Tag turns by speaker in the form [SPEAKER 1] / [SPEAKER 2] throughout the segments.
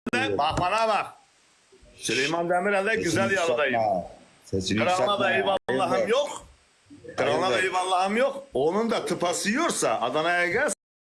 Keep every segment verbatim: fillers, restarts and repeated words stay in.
[SPEAKER 1] de bak bana bak. Süleyman Demirel'de güzel yalıdayım.
[SPEAKER 2] Sesini
[SPEAKER 1] Kralına da
[SPEAKER 2] yükseltme.
[SPEAKER 1] eyvallahım
[SPEAKER 2] Evet.
[SPEAKER 1] yok. Kralına da eyvallahım yok. Onun da tıpası yiyorsa Adana'ya gel.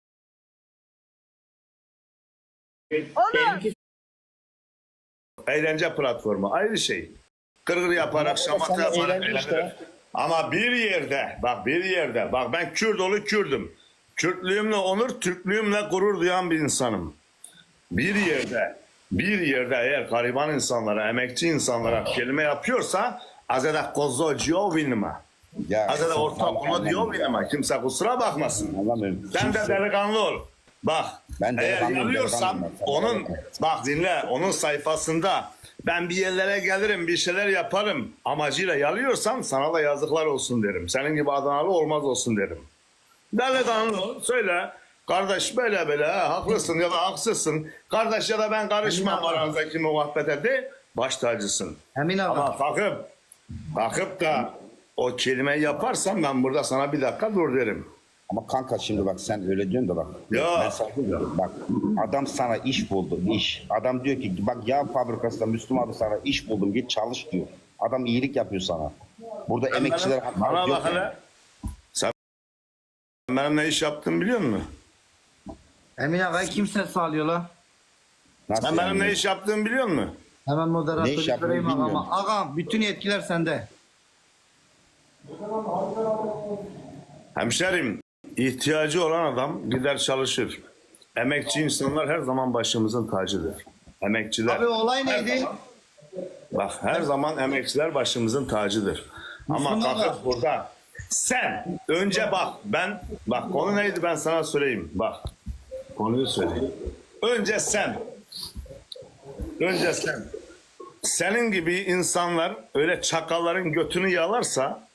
[SPEAKER 3] Olur.
[SPEAKER 1] Eğlence platformu ayrı şey. Kırgır yaparak, şamata
[SPEAKER 2] Sen de
[SPEAKER 1] yaparak
[SPEAKER 2] eğlence işte.
[SPEAKER 1] eğlenir. Ama bir yerde, bak bir yerde, bak ben Kürt oğlu Kürdüm. Kürtlüğümle onur, Türklüğümle gurur duyan bir insanım. Bir yerde, bir yerde eğer gariban insanlara, emekçi insanlara kelime yapıyorsa azada kozocuyor vinima.
[SPEAKER 2] Ya,
[SPEAKER 1] Azada
[SPEAKER 2] sen
[SPEAKER 1] ortak bunu
[SPEAKER 2] anlamıyorum
[SPEAKER 1] diyor
[SPEAKER 2] ya.
[SPEAKER 1] vinima. Kimse kusura bakmasın.
[SPEAKER 2] Anlamıyorum.
[SPEAKER 1] Sen de
[SPEAKER 2] Kimse-
[SPEAKER 1] delikanlı ol. Bak
[SPEAKER 2] Ben
[SPEAKER 1] eğer
[SPEAKER 2] delikanlıyım,
[SPEAKER 1] yanıyorsam
[SPEAKER 2] delikanlıyım ben.
[SPEAKER 1] onun bak dinle onun sayfasında ben bir yerlere gelirim bir şeyler yaparım amacıyla yalıyorsam sana da yazıklar olsun derim. Senin gibi Adanalı olmaz olsun derim. Delikanlı ol söyle. Kardeş böyle böyle ha, haklısın ya da haksızsın. Kardeş ya da ben karışmam aranızdaki muhabbete de baş tacısın.
[SPEAKER 4] Emin abi.
[SPEAKER 1] Ama kalkıp kalkıp da o kelimeyi yaparsan ben burada sana bir dakika dur derim.
[SPEAKER 2] Ama kanka şimdi bak sen öyle diyorsun da bak.
[SPEAKER 1] Ya.
[SPEAKER 2] Ben sana diyorum, bak adam sana iş buldu iş. Adam diyor ki bak yağ fabrikasında Müslüm abi sana iş buldum git çalış diyor. Adam iyilik yapıyor sana. Burada emekçiler
[SPEAKER 1] Bana, bana
[SPEAKER 2] hakaret yok
[SPEAKER 1] bak
[SPEAKER 2] yani.
[SPEAKER 1] hele. Sen benim ne iş yaptığımı biliyor musun?
[SPEAKER 4] Emin abi kimse sağlıyor la.
[SPEAKER 2] Nasıl
[SPEAKER 1] Sen benim
[SPEAKER 2] yani?
[SPEAKER 1] ne iş yaptığımı biliyor musun?
[SPEAKER 4] Hemen
[SPEAKER 2] Ne iş
[SPEAKER 4] moderatörü
[SPEAKER 2] yaptığını
[SPEAKER 4] vereyim
[SPEAKER 2] bilmiyorum.
[SPEAKER 4] ağama. Ağam bütün yetkiler sende.
[SPEAKER 1] Hemşerim, ihtiyacı olan adam gider çalışır. Emekçi insanlar her zaman başımızın tacıdır. Emekçiler.
[SPEAKER 4] Abi olay
[SPEAKER 1] Her
[SPEAKER 4] neydi?
[SPEAKER 1] zaman- bak her zaman emekçiler başımızın tacıdır. Ama
[SPEAKER 4] Müslüman
[SPEAKER 1] kalkıp
[SPEAKER 4] da.
[SPEAKER 1] burada sen önce bak ben bak konu neydi ben sana söyleyeyim bak konuyu söyleyeyim. Önce sen önce sen senin gibi insanlar öyle çakalların götünü yalarsa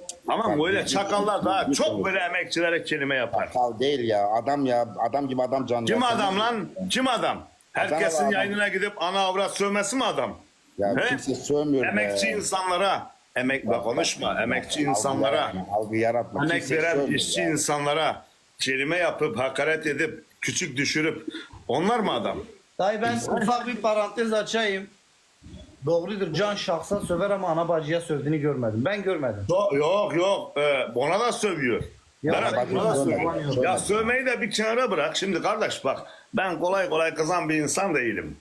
[SPEAKER 1] ama böyle çakallar daha çok böyle emekçilere kelime yapar.
[SPEAKER 2] Kal değil ya adam ya adam gibi adam canlı.
[SPEAKER 1] Kim
[SPEAKER 2] ya.
[SPEAKER 1] adam lan? Kim adam? Herkesin
[SPEAKER 2] adam.
[SPEAKER 1] yayınına gidip ana avrat sövmesi mi adam?
[SPEAKER 2] Ya
[SPEAKER 1] He?
[SPEAKER 2] kimse sövmüyor.
[SPEAKER 1] Emekçi
[SPEAKER 2] be.
[SPEAKER 1] insanlara, emek bak konuşma, emekçi
[SPEAKER 2] Algı
[SPEAKER 1] insanlara,
[SPEAKER 2] yaratma, algı yaratma.
[SPEAKER 1] emek
[SPEAKER 2] Kimse
[SPEAKER 1] veren
[SPEAKER 2] sövmüyor
[SPEAKER 1] işçi
[SPEAKER 2] ya.
[SPEAKER 1] insanlara kelime yapıp hakaret edip küçük düşürüp onlar mı adam?
[SPEAKER 4] Dayı ben ufak bir parantez açayım. Doğrudur can şahsa söver ama ana bacıya sövdüğünü görmedim. Ben görmedim.
[SPEAKER 1] Yok yok, yok. Ee, ona da sövüyor.
[SPEAKER 4] Ya
[SPEAKER 1] Berat,
[SPEAKER 4] ben
[SPEAKER 1] ona da
[SPEAKER 4] görmedim.
[SPEAKER 1] sövüyor. Ya sövmeyi de bir kenara bırak. Şimdi kardeş bak ben kolay kolay kızan bir insan değilim.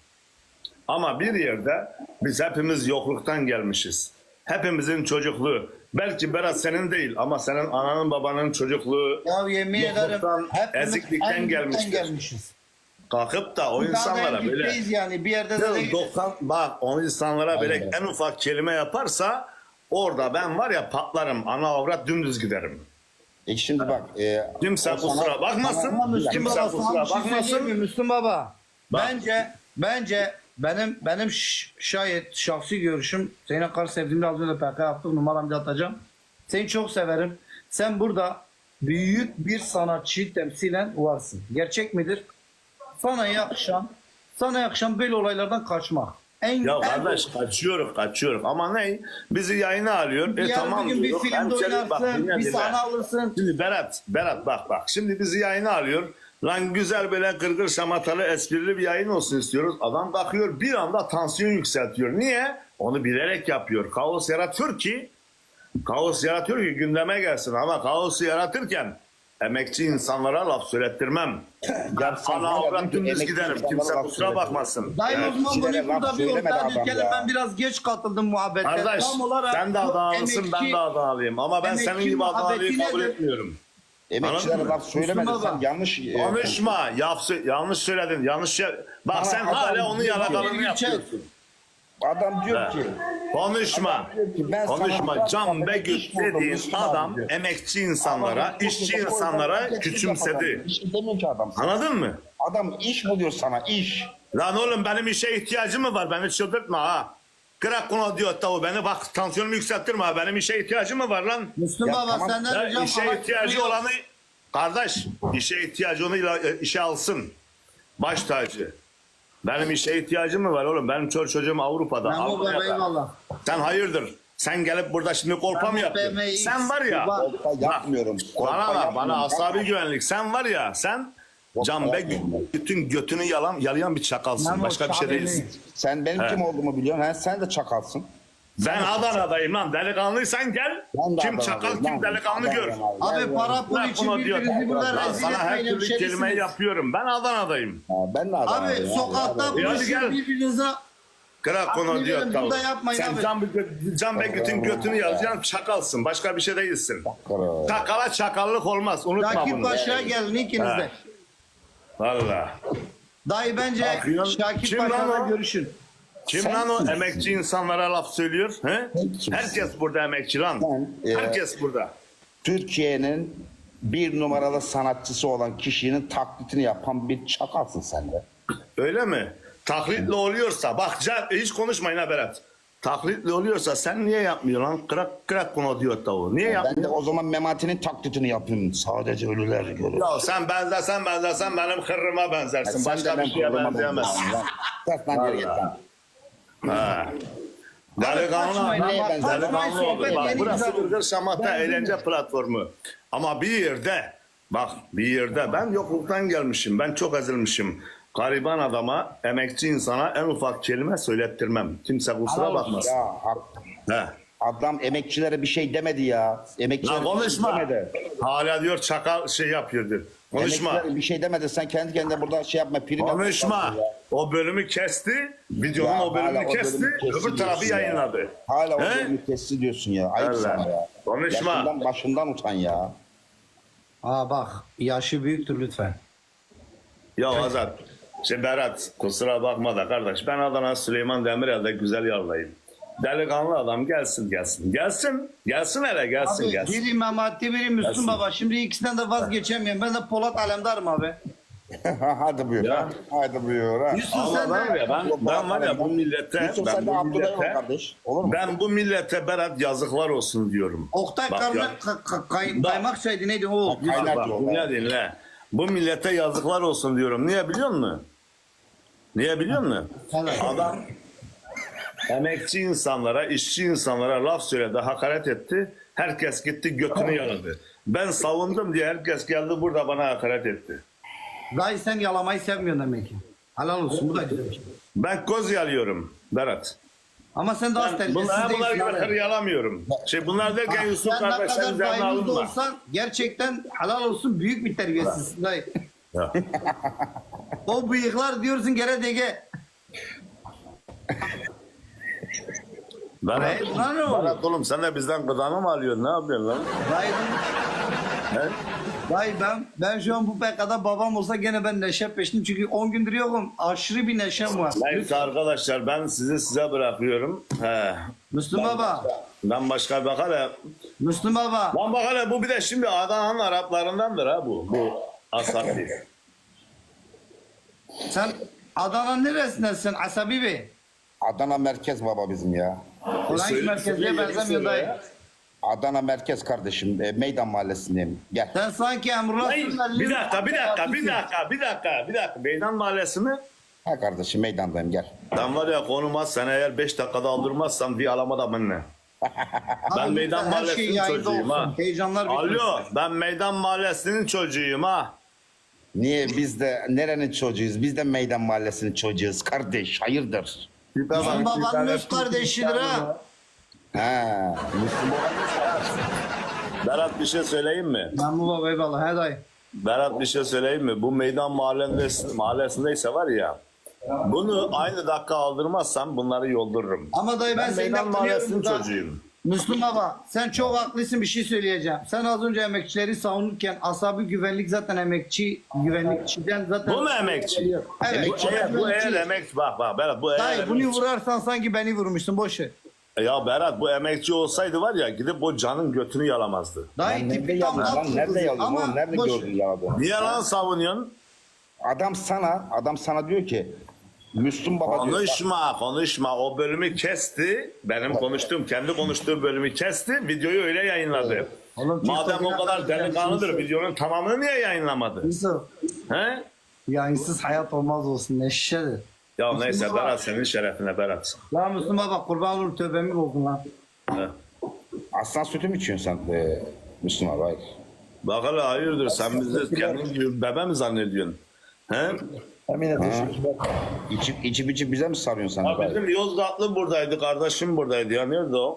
[SPEAKER 1] Ama bir yerde biz hepimiz yokluktan gelmişiz. Hepimizin çocukluğu. Belki Berat senin değil ama senin ananın babanın çocukluğu
[SPEAKER 4] Ya yemin ederim
[SPEAKER 1] yokluktan,
[SPEAKER 4] hepimiz
[SPEAKER 1] eziklikten
[SPEAKER 4] en dipten
[SPEAKER 1] gelmiştir.
[SPEAKER 4] gelmişiz.
[SPEAKER 1] Kalkıp da o
[SPEAKER 4] Daha
[SPEAKER 1] insanlara
[SPEAKER 4] en
[SPEAKER 1] böyle
[SPEAKER 4] dipteyiz yani bir yerde de değil.
[SPEAKER 1] doksan bak o insanlara böyle
[SPEAKER 2] Aynen.
[SPEAKER 1] en ufak kelime yaparsa orada ben var ya patlarım. Ana avrat dümdüz giderim.
[SPEAKER 2] E şimdi bak. E,
[SPEAKER 1] Kimse
[SPEAKER 2] o sana-
[SPEAKER 1] kusura bakmasın.
[SPEAKER 4] Ama Müslüm
[SPEAKER 1] Kimse
[SPEAKER 4] Baba
[SPEAKER 1] kusura
[SPEAKER 4] sana bir şey söyleyeyim mi
[SPEAKER 1] bakmasın.
[SPEAKER 4] Müslüm Baba?
[SPEAKER 1] Bak.
[SPEAKER 4] Bence bence benim benim ş- şayet şahsi görüşüm senin kadar sevdiğimde az önce P K yaptım numaramı da atacağım. Seni çok severim. Sen burada büyük bir sanatçıyı temsilen varsın. Gerçek midir? Sana yakışan sana yakışan böyle olaylardan kaçmak. En,
[SPEAKER 1] Ya
[SPEAKER 4] en
[SPEAKER 1] kardeş kaçıyoruz kaçıyoruz ama ne? Bizi yayına alıyor. E
[SPEAKER 4] Yarın
[SPEAKER 1] tamam
[SPEAKER 4] bir gün bir
[SPEAKER 1] diyor.
[SPEAKER 4] filmde
[SPEAKER 1] Hemşerim, bak,
[SPEAKER 4] oynarsın,
[SPEAKER 1] dinle,
[SPEAKER 4] bir
[SPEAKER 1] dinle.
[SPEAKER 4] sahne alırsın.
[SPEAKER 1] Şimdi Berat, Berat bak bak. Şimdi bizi yayına alıyor. Lan güzel böyle gırgır şamatalı esprili bir yayın olsun istiyoruz. Adam bakıyor bir anda tansiyon yükseltiyor. Niye? Onu bilerek yapıyor. Kaos yaratıyor ki kaos yaratıyor ki gündeme gelsin. Ama kaosu yaratırken emekçi insanlara laf söylettirmem.
[SPEAKER 2] Ya sen
[SPEAKER 1] Ana
[SPEAKER 2] hala
[SPEAKER 1] avrat
[SPEAKER 2] diyorsun ki
[SPEAKER 1] dümdüz
[SPEAKER 2] emekçi
[SPEAKER 1] giderim.
[SPEAKER 2] insanlara
[SPEAKER 1] Kimse
[SPEAKER 2] laf
[SPEAKER 1] kusura
[SPEAKER 2] söyletir.
[SPEAKER 1] bakmasın.
[SPEAKER 4] Dayı
[SPEAKER 1] Evet.
[SPEAKER 4] o zaman
[SPEAKER 2] Kişilere
[SPEAKER 4] bunu burada
[SPEAKER 2] laf
[SPEAKER 4] bir
[SPEAKER 2] söylemedi
[SPEAKER 4] ortaya
[SPEAKER 2] adam
[SPEAKER 4] dikelim.
[SPEAKER 2] ya.
[SPEAKER 4] Ben biraz geç katıldım muhabbete.
[SPEAKER 1] Kardeş
[SPEAKER 4] Tam olarak
[SPEAKER 1] sen de
[SPEAKER 4] bu
[SPEAKER 1] Adanalısın ben
[SPEAKER 4] emekçi-
[SPEAKER 1] de Adanalıyım. Ama ben
[SPEAKER 4] emekçi
[SPEAKER 1] senin gibi Adanalıyı
[SPEAKER 4] muhabbeti
[SPEAKER 1] kabul
[SPEAKER 4] nedir?
[SPEAKER 1] etmiyorum.
[SPEAKER 2] Emekçilere
[SPEAKER 1] Anladın mı?
[SPEAKER 2] laf söylemedin
[SPEAKER 4] Müslüm
[SPEAKER 2] sen
[SPEAKER 4] Baba.
[SPEAKER 2] yanlış. e,
[SPEAKER 1] Konuşma. Yap, yanlış söyledin. Yanlış şey. Bak
[SPEAKER 2] Bana
[SPEAKER 1] sen
[SPEAKER 2] adam
[SPEAKER 1] hala onun
[SPEAKER 2] diyor ki-
[SPEAKER 1] yalakalığını
[SPEAKER 4] Gerçek.
[SPEAKER 1] yapıyorsun.
[SPEAKER 2] Adam diyor ki.
[SPEAKER 1] Konuşma.
[SPEAKER 2] diyor ki, ben sana
[SPEAKER 1] Konuşma.
[SPEAKER 2] biraz
[SPEAKER 1] Can
[SPEAKER 2] sonra
[SPEAKER 1] Begüt
[SPEAKER 2] iş buldum,
[SPEAKER 1] dediğin
[SPEAKER 2] Müslüm abi
[SPEAKER 1] adam
[SPEAKER 2] diyor.
[SPEAKER 1] emekçi insanlara,
[SPEAKER 2] Adam
[SPEAKER 1] işçi
[SPEAKER 2] diyor ki,
[SPEAKER 1] insanlara
[SPEAKER 2] "Adam
[SPEAKER 1] küçümsedi.
[SPEAKER 2] Bir şey demiyor ki adam sana.
[SPEAKER 1] Anladın mı?
[SPEAKER 2] Adam iş buluyor sana iş.
[SPEAKER 1] Lan oğlum benim işe ihtiyacım mı var? Beni çıldırtma ha. Kırak konu diyor tavu beni bak tansiyonumu yükselttirme ha. Benim işe ihtiyacım mı var lan?
[SPEAKER 4] Müslüm
[SPEAKER 2] Ya
[SPEAKER 4] Baba
[SPEAKER 2] tamam.
[SPEAKER 4] senden
[SPEAKER 1] Ya
[SPEAKER 4] ricam
[SPEAKER 1] işe
[SPEAKER 4] ama-
[SPEAKER 1] ihtiyacı olanı kardeş işe ihtiyacı onu ila- işe alsın. Baş tacı. Benim işe ihtiyacım mı var oğlum? Benim çocuk çocuğum Avrupa'da.
[SPEAKER 4] Memo Baba
[SPEAKER 1] Almanya'da.
[SPEAKER 4] eyvallah.
[SPEAKER 1] Sen hayırdır? Sen gelip burada şimdi kolpa mı
[SPEAKER 4] Memo
[SPEAKER 1] yapıyorsun?
[SPEAKER 4] Baba,
[SPEAKER 1] Sen var ya.
[SPEAKER 4] Baba.
[SPEAKER 2] Kolpa yapmıyorum. Kolpa
[SPEAKER 1] Bana bak, bana
[SPEAKER 2] yapmıyorum.
[SPEAKER 1] asabi güvenlik. Sen var ya sen Can Bey bütün götünü yalan, yalayan bir çakalsın.
[SPEAKER 4] Memo,
[SPEAKER 1] Başka bir şey
[SPEAKER 4] Şahin'i-
[SPEAKER 1] değilsin.
[SPEAKER 2] Sen benim
[SPEAKER 1] He.
[SPEAKER 2] kim olduğumu biliyorsun. He? Sen de çakalsın.
[SPEAKER 1] Ben Adana'dayım lan. Delikanlıysan gel.
[SPEAKER 2] Ben de
[SPEAKER 1] Kim
[SPEAKER 2] Adana'dayım
[SPEAKER 1] çakal
[SPEAKER 2] lan.
[SPEAKER 1] kim delikanlı gör.
[SPEAKER 2] Adana'dayım abi.
[SPEAKER 4] Abi
[SPEAKER 2] Gel,
[SPEAKER 4] para
[SPEAKER 2] gel.
[SPEAKER 4] pul
[SPEAKER 1] Bırak
[SPEAKER 4] için
[SPEAKER 1] bunu diyor.
[SPEAKER 4] birbirinizi burada
[SPEAKER 1] Lan
[SPEAKER 4] rezil
[SPEAKER 1] sana her
[SPEAKER 4] etmeyin
[SPEAKER 1] türlü kelimeyi
[SPEAKER 4] hemşerisiniz.
[SPEAKER 1] yapıyorum. Ben Adana'dayım.
[SPEAKER 2] Ha, ben de
[SPEAKER 4] Abi
[SPEAKER 2] Adana'dayım.
[SPEAKER 4] sokakta
[SPEAKER 2] Hadi, hadi.
[SPEAKER 1] hadi
[SPEAKER 4] buluşun
[SPEAKER 1] gel.
[SPEAKER 4] birbirinize.
[SPEAKER 1] Kırak
[SPEAKER 4] Abi
[SPEAKER 1] konu diyor.
[SPEAKER 4] dedim, burada yapmayın
[SPEAKER 1] Sen
[SPEAKER 4] abi.
[SPEAKER 1] Can, Can Begüt'ün götünü yalayan çakalsın. Başka bir şey değilsin.
[SPEAKER 2] Kara.
[SPEAKER 1] Çakala çakallık olmaz. Unutma
[SPEAKER 4] Rakip
[SPEAKER 1] bunu.
[SPEAKER 4] Paşa'ya gelin ikinizde.
[SPEAKER 1] Valla.
[SPEAKER 4] Dayı bence
[SPEAKER 1] Bakıyorsun,
[SPEAKER 4] Şakir
[SPEAKER 1] kim lan
[SPEAKER 4] Paşa'la
[SPEAKER 1] o?
[SPEAKER 4] görüşün.
[SPEAKER 1] Kim
[SPEAKER 2] Sen
[SPEAKER 1] lan o
[SPEAKER 2] kimsin?
[SPEAKER 1] emekçi insanlara laf söylüyor? He?
[SPEAKER 2] kimsin?
[SPEAKER 1] Herkes burada emekçi lan.
[SPEAKER 2] Ben, e,
[SPEAKER 1] Herkes burada.
[SPEAKER 2] Türkiye'nin bir numaralı sanatçısı olan kişinin taklitini yapan bir çakalsın sen de.
[SPEAKER 1] Öyle mi? Taklitle oluyorsa bak Can, hiç konuşmayın ha Berat. Taklitle oluyorsa sen niye yapmıyorsun lan? Kırak kırak konu diyor tavuğu. Niye
[SPEAKER 2] Ben de
[SPEAKER 1] yapmıyorsun?
[SPEAKER 2] o zaman Memati'nin taklitini yapayım. Sadece ölüler görür.
[SPEAKER 1] Ya sen benzersen benzersen benim hırrıma benzersin.
[SPEAKER 2] Sen
[SPEAKER 1] Başka
[SPEAKER 2] de
[SPEAKER 1] bir
[SPEAKER 2] ben
[SPEAKER 1] şeye
[SPEAKER 2] kuruluma
[SPEAKER 1] benzeyemezsin.
[SPEAKER 2] benziyorum lan. Ses lan geri git lan.
[SPEAKER 1] Ha. Delikanlı
[SPEAKER 4] Kaçmayın
[SPEAKER 2] neye
[SPEAKER 4] ama
[SPEAKER 2] benzer?
[SPEAKER 4] kaçmayın,
[SPEAKER 1] Delikanlı olur.
[SPEAKER 4] sohbet
[SPEAKER 1] Bak
[SPEAKER 4] yeni
[SPEAKER 1] burası
[SPEAKER 4] güzel olur.
[SPEAKER 1] Burger Şamata eğlence platformu. Ama bir yerde bak bir yerde ben yokluktan gelmişim. Ben çok ezilmişim. Gariban adama, emekçi insana en ufak kelime söylettirmem. Kimse kusura
[SPEAKER 4] Helal olsun.
[SPEAKER 1] bakmasın.
[SPEAKER 2] Ya hak.
[SPEAKER 1] He.
[SPEAKER 2] Adam emekçilere bir şey demedi ya. Emekçilere
[SPEAKER 1] Lan
[SPEAKER 2] bir şey
[SPEAKER 1] konuşma.
[SPEAKER 2] demedi.
[SPEAKER 1] Hala diyor çakal şey yapıyordur. Konuşma.
[SPEAKER 2] Emekçilere bir şey demedi. Sen kendi kendine burada şey yapma. Prim yapma.
[SPEAKER 1] Konuşma. O bölümü kesti. Videonun
[SPEAKER 2] Ya
[SPEAKER 1] o bölümünü
[SPEAKER 2] hala o
[SPEAKER 1] kesti.
[SPEAKER 2] bölümü kesti
[SPEAKER 1] Öbür tarafı
[SPEAKER 2] diyorsun ya.
[SPEAKER 1] yayınladı.
[SPEAKER 2] Hala o
[SPEAKER 1] He?
[SPEAKER 2] bölümü kesti diyorsun ya. Ayıp
[SPEAKER 1] Allah.
[SPEAKER 2] sana ya.
[SPEAKER 1] Konuşma.
[SPEAKER 2] Yaşından başından utan ya.
[SPEAKER 4] Aa bak yaşı büyüktür lütfen.
[SPEAKER 1] Ya Azat. Şey Berat kusura bakma da kardeş. Ben Adana Süleyman Demirel'de güzel yarlayayım. Delikanlı adam gelsin gelsin. Gelsin. Gelsin hele gelsin
[SPEAKER 4] Abi
[SPEAKER 1] gelsin.
[SPEAKER 4] biri Memati biri Müslüm
[SPEAKER 1] Gelsin.
[SPEAKER 4] Baba. Şimdi ikisinden de vazgeçemiyorum. Ben de Polat Alemdar'ım abi.
[SPEAKER 2] Hadi buyur.
[SPEAKER 1] Ya.
[SPEAKER 2] Ha. Hadi buyur. Ha.
[SPEAKER 4] Yusuf
[SPEAKER 1] Allah
[SPEAKER 4] sen
[SPEAKER 1] var
[SPEAKER 4] de
[SPEAKER 1] ya ben, ben var ya bu millete
[SPEAKER 2] Yusuf
[SPEAKER 1] ben
[SPEAKER 2] sen de
[SPEAKER 1] bu
[SPEAKER 2] Abdullah ol
[SPEAKER 1] millete
[SPEAKER 2] kardeş. Olur mu?
[SPEAKER 1] ben bu millete Berat yazıklar olsun diyorum.
[SPEAKER 4] Oktay
[SPEAKER 1] Bak
[SPEAKER 4] karnı
[SPEAKER 1] ya.
[SPEAKER 4] ka- ka- kay-
[SPEAKER 1] Bak.
[SPEAKER 4] kaymak şeydi neydi o?
[SPEAKER 2] Bak, kaynak
[SPEAKER 1] Bak,
[SPEAKER 2] diyor.
[SPEAKER 1] dinle dinle. Bu millete yazıklar olsun diyorum. Niye biliyor musun? Niye biliyor musun?
[SPEAKER 4] Evet.
[SPEAKER 1] Adam emekçi insanlara, işçi insanlara laf söyledi, hakaret etti. Herkes gitti götünü yaladı. Ben savundum diye herkes geldi burada bana hakaret etti.
[SPEAKER 4] Dayı sen yalamayı sevmiyorsun demek ki. Helal olsun bu da güzel bir şey.
[SPEAKER 1] Ben koz yalıyorum Berat.
[SPEAKER 4] Ama sen daha
[SPEAKER 1] Ben
[SPEAKER 4] terbiyesiz
[SPEAKER 1] bunlar, bunlar
[SPEAKER 4] değilsin.
[SPEAKER 1] gibi
[SPEAKER 4] abi.
[SPEAKER 1] hır yalamıyorum. Şey bunlar derken Yusuf
[SPEAKER 4] Sen ne
[SPEAKER 1] kardeşler
[SPEAKER 4] kadar
[SPEAKER 1] üzerine
[SPEAKER 4] dayımız da
[SPEAKER 1] alınma.
[SPEAKER 4] olsan gerçekten helal olsun büyük bir terbiyesizsin dayı.
[SPEAKER 1] Ya.
[SPEAKER 4] O bıyıklar diyorsun gene dege.
[SPEAKER 1] Berat,
[SPEAKER 4] Hayır, lan ne oluyor?
[SPEAKER 1] Berat oğlum sen de bizden gıdanı mı alıyorsun? Ne yapıyorsun lan?
[SPEAKER 4] Dayı,
[SPEAKER 1] He?
[SPEAKER 4] dayı ben, ben şu an bu P K'da babam olsa gene ben neşe peşindeyim. Çünkü on gündür yokum. Aşırı bir neşem var.
[SPEAKER 1] Neyse arkadaşlar ben sizi size bırakıyorum. He.
[SPEAKER 4] Müslüm Baba.
[SPEAKER 1] Ben başka bir bakar
[SPEAKER 4] Müslüm Baba.
[SPEAKER 1] Lan bak hele bu bir de şimdi Adana'nın Araplarındandır ha bu. Bu Asabi.
[SPEAKER 4] Sen Adana'nın neresindesin Asabi Bey?
[SPEAKER 2] Adana merkez baba bizim ya.
[SPEAKER 4] Ulan hiç
[SPEAKER 1] söyle-
[SPEAKER 4] merkezliğe
[SPEAKER 1] söyle,
[SPEAKER 4] benzemiyor
[SPEAKER 1] söyle
[SPEAKER 4] dayı.
[SPEAKER 1] ya.
[SPEAKER 2] Adana merkez kardeşim. E, Meydan mahallesindeyim. Gel.
[SPEAKER 4] Sen sanki Emrullah
[SPEAKER 1] Hayır,
[SPEAKER 4] Sürmenli'nin-
[SPEAKER 1] bir dakika, bir dakika, bir dakika, bir dakika, bir dakika. Meydan Mahallesi mi?
[SPEAKER 2] Ha kardeşim meydandayım gel.
[SPEAKER 1] Ben var ya konuma sen eğer beş dakikada aldırmazsan bir alamadım benimle. Ben
[SPEAKER 4] Abi
[SPEAKER 1] Meydan
[SPEAKER 4] lütfen her şey
[SPEAKER 1] Mahallesi'nin
[SPEAKER 4] yayında
[SPEAKER 1] çocuğuyum
[SPEAKER 4] olsun.
[SPEAKER 1] ha.
[SPEAKER 4] Heyecanlar bitmesin.
[SPEAKER 1] Alo, ben Meydan Mahallesi'nin çocuğuyum ha.
[SPEAKER 2] Niye biz de nerenin çocuğuyuz? Biz de meydan mahallesinin çocuğuyuz kardeş. Hayırdır?
[SPEAKER 4] Müslüm Baba'nın öz kardeşidir ha.
[SPEAKER 2] Ha, Müslüm
[SPEAKER 1] Berat bir şey söyleyeyim mi?
[SPEAKER 4] Ben bu baba eyvallah he dayı.
[SPEAKER 1] Berat bir şey söyleyeyim mi? Bu Meydan Mahallesi, mahallesindeyse var ya, bunu aynı dakika aldırmazsam bunları yoldururum.
[SPEAKER 4] Ama dayı ben,
[SPEAKER 1] Ben
[SPEAKER 4] seni
[SPEAKER 1] Meydan
[SPEAKER 4] de
[SPEAKER 1] Mahallesi'nin
[SPEAKER 4] kınıyorum da.
[SPEAKER 1] çocuğuyum.
[SPEAKER 4] Müslüm Baba sen çok haklısın bir şey söyleyeceğim. Sen az önce emekçileri savunurken asabi güvenlik zaten emekçi güvenlikçiden zaten.
[SPEAKER 1] Bu mu emekçi?
[SPEAKER 4] Evet.
[SPEAKER 1] Bu eğer, bu eğer emekçi, bak bak Berat bu eğer
[SPEAKER 4] Dayı bunu
[SPEAKER 1] emekçi.
[SPEAKER 4] vurarsan sanki beni vurmuşsun boş ver.
[SPEAKER 1] Ya Berat bu emekçi olsaydı var ya gidip o canın götünü yalamazdı.
[SPEAKER 4] Dayı
[SPEAKER 2] Nerede
[SPEAKER 4] tipi tam
[SPEAKER 2] yaladın lan?
[SPEAKER 4] alt
[SPEAKER 2] Nerede
[SPEAKER 4] kızı.
[SPEAKER 2] yaladın
[SPEAKER 4] Ama
[SPEAKER 2] oğlum? Nerede
[SPEAKER 4] boş ver.
[SPEAKER 2] gördün yaladığını?
[SPEAKER 1] Niye lan savunuyorsun?
[SPEAKER 2] Adam sana, adam sana diyor ki Müslüm Baba diyor. bak,
[SPEAKER 1] Konuşma konuşma o bölümü kesti. Benim konuştuğum kendi konuştuğum bölümü kesti. Videoyu öyle yayınladı.
[SPEAKER 4] Oğlum,
[SPEAKER 1] Madem o
[SPEAKER 4] TikTok'una
[SPEAKER 1] kadar
[SPEAKER 4] kadar
[SPEAKER 1] delikanlıdır
[SPEAKER 4] gelsin.
[SPEAKER 1] videonun tamamını niye yayınlamadı?
[SPEAKER 4] Yusuf
[SPEAKER 1] He?
[SPEAKER 4] yayınsız hayat olmaz olsun neşedir.
[SPEAKER 1] Ya
[SPEAKER 4] Müslüm
[SPEAKER 1] neyse
[SPEAKER 4] Baba.
[SPEAKER 1] Berat senin şerefine Berat.
[SPEAKER 4] Lan Müslüm Baba kurban olurum tövbemi bozdun lan.
[SPEAKER 1] He.
[SPEAKER 2] Aslan sütü mü içiyorsun sen e, Müslüm abi? Hayır.
[SPEAKER 1] Bak hele hayırdır sen bizi kendin gibi bebe mi zannediyorsun? He?
[SPEAKER 3] Emine teşekkürler.
[SPEAKER 2] İçip içip içip bize mi sarıyorsun sen?
[SPEAKER 1] Ya bizim Yozgatlı buradaydı, kardeşim buradaydı ya. Nerede o?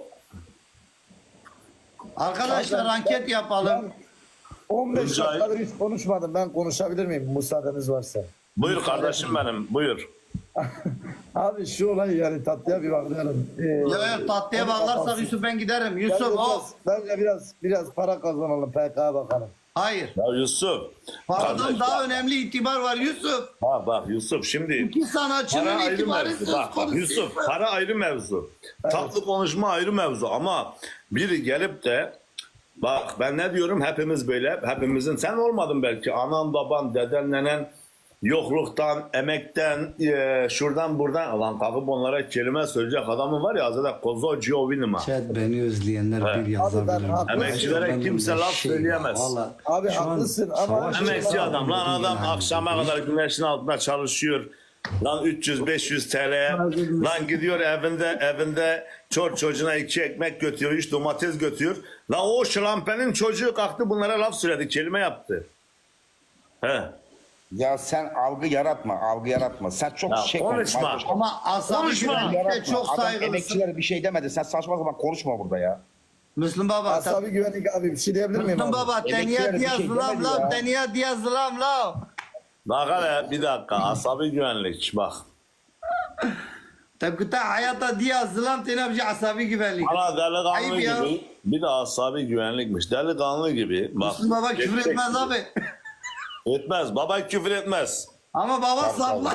[SPEAKER 4] Arkadaşlar anket yapalım.
[SPEAKER 3] on beş
[SPEAKER 1] Rica
[SPEAKER 3] dakikadır hiç konuşmadım. Ben konuşabilir miyim müsaadeniz varsa?
[SPEAKER 1] Buyur kardeşim benim, buyur.
[SPEAKER 3] Abi şu olay yani tatlıya bir bakıyorum. Ee,
[SPEAKER 4] Yok yok tatlıya bağlarsak Yusuf ben giderim. Yusuf
[SPEAKER 3] bence
[SPEAKER 4] o.
[SPEAKER 3] biraz, bence biraz biraz para kazanalım P K'ya bakalım.
[SPEAKER 4] Hayır.
[SPEAKER 1] Ya Yusuf.
[SPEAKER 4] Paradan
[SPEAKER 1] kardeş,
[SPEAKER 4] daha önemli itibar var Yusuf.
[SPEAKER 1] Bak bak Yusuf şimdi.
[SPEAKER 4] İki
[SPEAKER 1] Para
[SPEAKER 4] sanatçının
[SPEAKER 1] ayrı
[SPEAKER 4] itibarı
[SPEAKER 1] mevzu.
[SPEAKER 4] söz
[SPEAKER 1] Bak, bak
[SPEAKER 4] konusu.
[SPEAKER 1] Yusuf para ayrı mevzu. Tatlı konuşma ayrı mevzu ama biri gelip de bak ben ne diyorum hepimiz böyle hepimizin sen olmadın belki anan baban deden nenen yokluktan emekten e, şuradan buradan lan kalkıp onlara kelime söyleyecek adamın var ya zaten Kozo Giovinima.
[SPEAKER 4] Chat beni özleyenler
[SPEAKER 1] Evet.
[SPEAKER 4] bir
[SPEAKER 3] Abi ben
[SPEAKER 4] yazabilir.
[SPEAKER 3] haklısın.
[SPEAKER 1] Emekçilere
[SPEAKER 4] Ben
[SPEAKER 1] kimse
[SPEAKER 4] de
[SPEAKER 1] laf
[SPEAKER 4] şey
[SPEAKER 1] söyleyemez.
[SPEAKER 4] ya, vallahi
[SPEAKER 3] Abi
[SPEAKER 4] şu an
[SPEAKER 3] haklısın ama-
[SPEAKER 4] savaş
[SPEAKER 1] Emekçi
[SPEAKER 4] çıkardı
[SPEAKER 1] adam lan
[SPEAKER 4] bugün
[SPEAKER 1] adam
[SPEAKER 4] yani.
[SPEAKER 1] akşama kadar güneşin altında çalışıyor. Lan üç yüz beş yüz T L'ye lan gidiyor evinde evinde çor çocuğuna iki ekmek götürüyor, üç domates götürüyor. Lan o şlampenin çocuğu kalktı bunlara laf söyledi, kelime yaptı. He.
[SPEAKER 2] Ya sen algı yaratma, algı yaratma. Sen çok
[SPEAKER 1] Ya
[SPEAKER 2] şey
[SPEAKER 1] konuşma.
[SPEAKER 2] konuş.
[SPEAKER 4] Ama asabi
[SPEAKER 1] Konuşma.
[SPEAKER 4] güvenlikte
[SPEAKER 2] Yaratma.
[SPEAKER 4] çok
[SPEAKER 2] Adam
[SPEAKER 4] saygılısın.
[SPEAKER 2] emekçilere bir şey demedi. Sen saçma sapan konuşma burada ya.
[SPEAKER 4] Müslüm Baba.
[SPEAKER 3] Asabi güvenlik abi bir şey diyebilir miyim
[SPEAKER 4] Müslüm
[SPEAKER 3] abi?
[SPEAKER 4] Baba.
[SPEAKER 2] Emekçilere
[SPEAKER 4] Teniye
[SPEAKER 2] bir
[SPEAKER 4] diyaz
[SPEAKER 2] şey
[SPEAKER 4] lam
[SPEAKER 2] demedi
[SPEAKER 4] lam.
[SPEAKER 2] ya.
[SPEAKER 4] Teniye diyaz lam lam.
[SPEAKER 1] Bak hele bir dakika asabi güvenlik bak.
[SPEAKER 4] Tabi kuta hayata diyaz lam teniye bir şey asabi güvenlik.
[SPEAKER 1] Bana delikanlı
[SPEAKER 4] Ayıp ya.
[SPEAKER 1] gibi bir de asabi güvenlikmiş. Delikanlı gibi. Bak,
[SPEAKER 4] Müslüm Baba küfür
[SPEAKER 1] gerçek
[SPEAKER 4] etmez
[SPEAKER 1] gibi.
[SPEAKER 4] abi.
[SPEAKER 1] Etmez. Baba küfür etmez.
[SPEAKER 4] Ama baba sapla.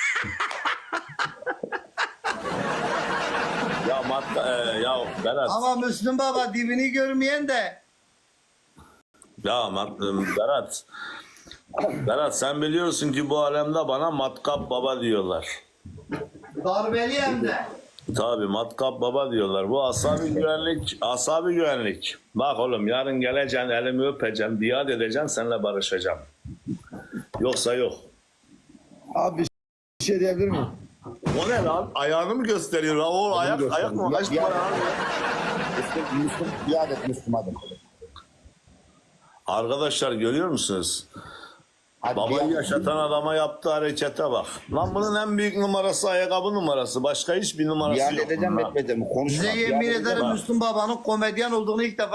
[SPEAKER 1] Ya matka, e, ya Berat.
[SPEAKER 4] Ama Müslüm Baba dibini görmeyen de.
[SPEAKER 1] Ya mat, e, Berat. Berat sen biliyorsun ki bu alemde bana matkap baba diyorlar.
[SPEAKER 4] Darbeli hem de.
[SPEAKER 1] Tabii matkap baba diyorlar. Bu asabi güvenlik, asabi güvenlik. Bak oğlum yarın geleceksin, elimi öpeceğim, biat edeceğim, seninle barışacağım. Yoksa yok.
[SPEAKER 3] Abi bir şey diyebilir miyim?
[SPEAKER 1] O ne lan? Ayağını mı gösteriyor? lan? O ayak,
[SPEAKER 2] gösteriyor.
[SPEAKER 1] ayak mı?
[SPEAKER 2] Ya-
[SPEAKER 1] Kaç
[SPEAKER 2] ya-
[SPEAKER 1] numara abi?
[SPEAKER 2] Müslüm, Müslüm, biat et Müslüm hadi.
[SPEAKER 1] Arkadaşlar görüyor musunuz?
[SPEAKER 2] Hadi biat
[SPEAKER 1] Babayı
[SPEAKER 2] et.
[SPEAKER 1] yaşatan adama yaptığı harekete bak. Lan bunun en büyük numarası ayakkabı numarası. Başka hiçbir numarası
[SPEAKER 2] Biat
[SPEAKER 1] yok.
[SPEAKER 2] edeceğim
[SPEAKER 1] bunun.
[SPEAKER 2] etmeyeceğim. Konuşma.
[SPEAKER 4] Size
[SPEAKER 2] Biat
[SPEAKER 4] yemin
[SPEAKER 2] edeceğim.
[SPEAKER 4] ederim Müslüm Baba'nın komedyen olduğunu ilk defa